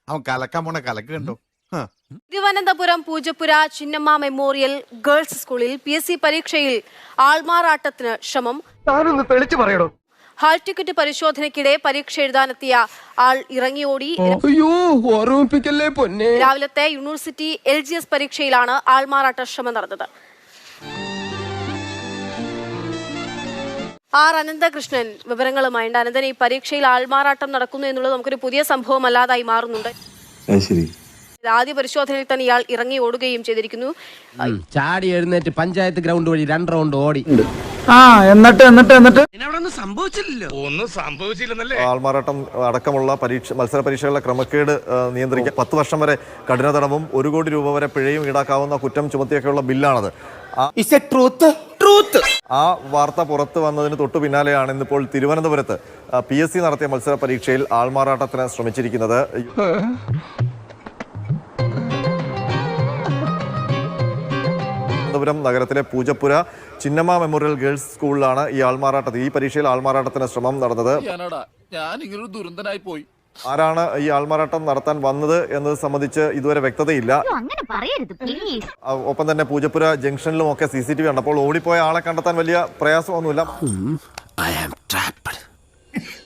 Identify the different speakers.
Speaker 1: അവൻ കലക്കാൻ പോണ കലക്ക് കണ്ടോ.
Speaker 2: തിരുവനന്തപുരം പൂജപ്പുര ചിന്നമ്മ മെമ്മോറിയൽ ഗേൾസ് സ്കൂളിൽ PSC പരീക്ഷയിൽ ആൾമാറാട്ടത്തിന് ശ്രമം.
Speaker 3: തെളിച്ചു പറയണോ?
Speaker 2: ഹാൾ ടിക്കറ്റ് പരിശോധനയ്ക്കിടെ പരീക്ഷ എഴുതാനെത്തിയ ആൾ ഇറങ്ങിയോടി. രാവിലത്തെ യൂണിവേഴ്സിറ്റി LGS പരീക്ഷയിലാണ് ആൾമാറാട്ട ശ്രമം നടന്നത്. അനന്തകൃഷ്ണൻ വിവരങ്ങളുമായുണ്ട്. അനന്തൻ, ഈ പരീക്ഷയിൽ ആൾമാറാട്ടം നടക്കുന്നു എന്നുള്ളത് നമുക്കൊരു പുതിയ സംഭവം അല്ലാതായി മാറുന്നുണ്ട്. ആദ്യ പരിശോധനയിൽ തന്നെ ഇയാൾ ഇറങ്ങി ഓടുകയും ചെയ്തിരിക്കുന്നു.
Speaker 4: ചാടി എഴുന്നേറ്റ് പഞ്ചായത്ത് ഗ്രൗണ്ട് വഴി 2 റൗണ്ട് ഓടി.
Speaker 5: ഒന്നും സംഭവിച്ചില്ലെന്നല്ലേ.
Speaker 6: ആൾമാറാട്ടം അടക്കമുള്ള മത്സര പരീക്ഷകളുടെ ക്രമക്കേട് നിയന്ത്രിക്കാൻ 10 വർഷം വരെ കഠിന തടവും 1 കോടി രൂപ വരെ പിഴയും ഈടാക്കാവുന്ന കുറ്റം ചുമത്തിയൊക്കെയുള്ള ബില്ലാണത്. ആ വാർത്ത പുറത്തു വന്നതിന് തൊട്ടു പിന്നാലെയാണ് ഇന്നിപ്പോൾ തിരുവനന്തപുരത്ത് PSC നടത്തിയ മത്സര പരീക്ഷയിൽ ആൾമാറാട്ടത്തിന് ശ്രമിച്ചിരിക്കുന്നത്. തിരുവനന്തപുരം നഗരത്തിലെ പൂജപ്പുര ചിന്നമ്മ മെമ്മോറിയൽ ഗേൾസ് സ്കൂളിലാണ് ഈ പരീക്ഷയിൽ ആൾമാറാട്ടത്തിന് ശ്രമം നടന്നത്. ആരാണ് ഈ ആൾമാറാട്ടം നടത്താൻ വന്നത് എന്നത് സംബന്ധിച്ച് ഇതുവരെ വ്യക്തതയില്ല. ഒപ്പം തന്നെ പൂജപ്പുര ജംഗ്ഷനിലും ഒക്കെ CCTV ഉണ്ട്. അപ്പോൾ ഓടിപ്പോയ ആളെ കണ്ടെത്താൻ വലിയ പ്രയാസമൊന്നുമില്ല.